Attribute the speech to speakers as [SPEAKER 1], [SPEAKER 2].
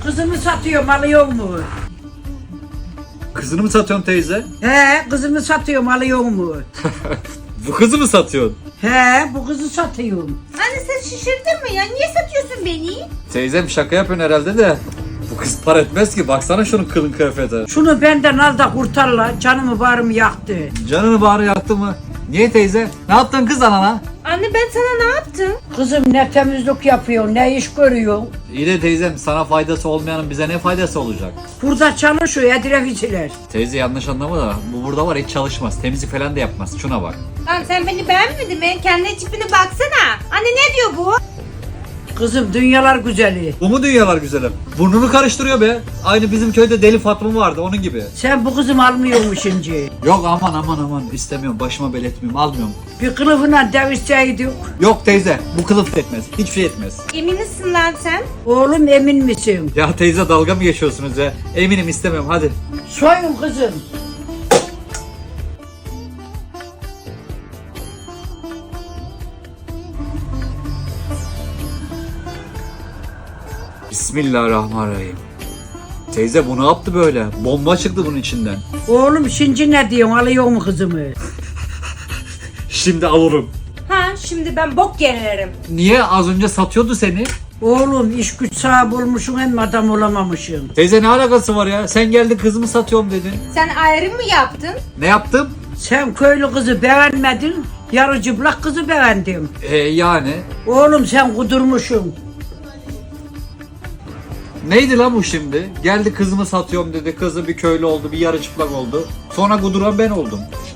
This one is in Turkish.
[SPEAKER 1] Kızımı satıyorum, alıyor mu?
[SPEAKER 2] Kızını mı satıyorsun teyze?
[SPEAKER 1] He, kızımı satıyorum, alıyor mu?
[SPEAKER 2] Bu kızı mı satıyorsun?
[SPEAKER 1] He, bu kızı satıyorum.
[SPEAKER 3] Anne sen şişirdin mi ya? Niye satıyorsun beni?
[SPEAKER 2] Teyzem şaka yapıyorsun herhalde de. Bu kız para etmez ki. Baksana şunun kılın kıyafeti.
[SPEAKER 1] Şunu benden al da kurtarla, canımı bağrımı yaktı.
[SPEAKER 2] Canını bağrı yaktı mı? Niye teyze? Ne yaptın kız anana?
[SPEAKER 3] Anne ben sana ne yaptım?
[SPEAKER 1] Kızım ne temizlik yapıyor, ne iş görüyor.
[SPEAKER 2] İyi de teyzem sana faydası olmayanın bize ne faydası olacak?
[SPEAKER 1] Burada çalışıyor, etraficiler.
[SPEAKER 2] Teyze yanlış anlama da bu burada var hiç çalışmaz. Temizlik falan da yapmaz. Şuna bak.
[SPEAKER 3] Lan sen beni beğenmedin mi? Kendi tipine baksana. Anne ne diyor bu?
[SPEAKER 1] Kızım dünyalar güzeli.
[SPEAKER 2] Bu mu dünyalar güzelim? Burnunu karıştırıyor be. Aynı bizim köyde deli Fatma vardı onun gibi.
[SPEAKER 1] Sen bu kızımı almıyormuş şimdi.
[SPEAKER 2] Yok aman istemiyorum başıma belirtmiyorum almıyorum.
[SPEAKER 1] Bir kılıfına devişseydik.
[SPEAKER 2] Yok teyze bu kılıf etmez. Hiçbir şey etmez.
[SPEAKER 3] Emin misin lan sen?
[SPEAKER 1] Oğlum emin misin?
[SPEAKER 2] Ya teyze dalga mı geçiyorsunuz ya? Eminim istemiyorum hadi.
[SPEAKER 1] Soyun kızım.
[SPEAKER 2] Bismillahirrahmanirrahim. Teyze bu ne yaptı böyle? Bomba çıktı bunun içinden.
[SPEAKER 1] Oğlum şimdi ne diyorsun, alıyor mu kızımı?
[SPEAKER 2] Şimdi alırım.
[SPEAKER 3] Ha şimdi ben bok gelirim.
[SPEAKER 2] Niye az önce satıyordu seni?
[SPEAKER 1] Oğlum iş güç sahibi olmuşsun hem adam olamamışsın.
[SPEAKER 2] Teyze ne alakası var ya? Sen geldin kızımı satıyorum dedin.
[SPEAKER 3] Sen ayrım mı yaptın?
[SPEAKER 2] Ne yaptım?
[SPEAKER 1] Sen köylü kızı beğenmedin, yarı cıplak kızı beğendim.
[SPEAKER 2] Yani.
[SPEAKER 1] Oğlum sen kudurmuşsun.
[SPEAKER 2] Neydi lan bu şimdi? Geldi kızımı satıyorum dedi. Kızı bir köylü oldu, bir yarı çıplak oldu. Sonra kuduran ben oldum.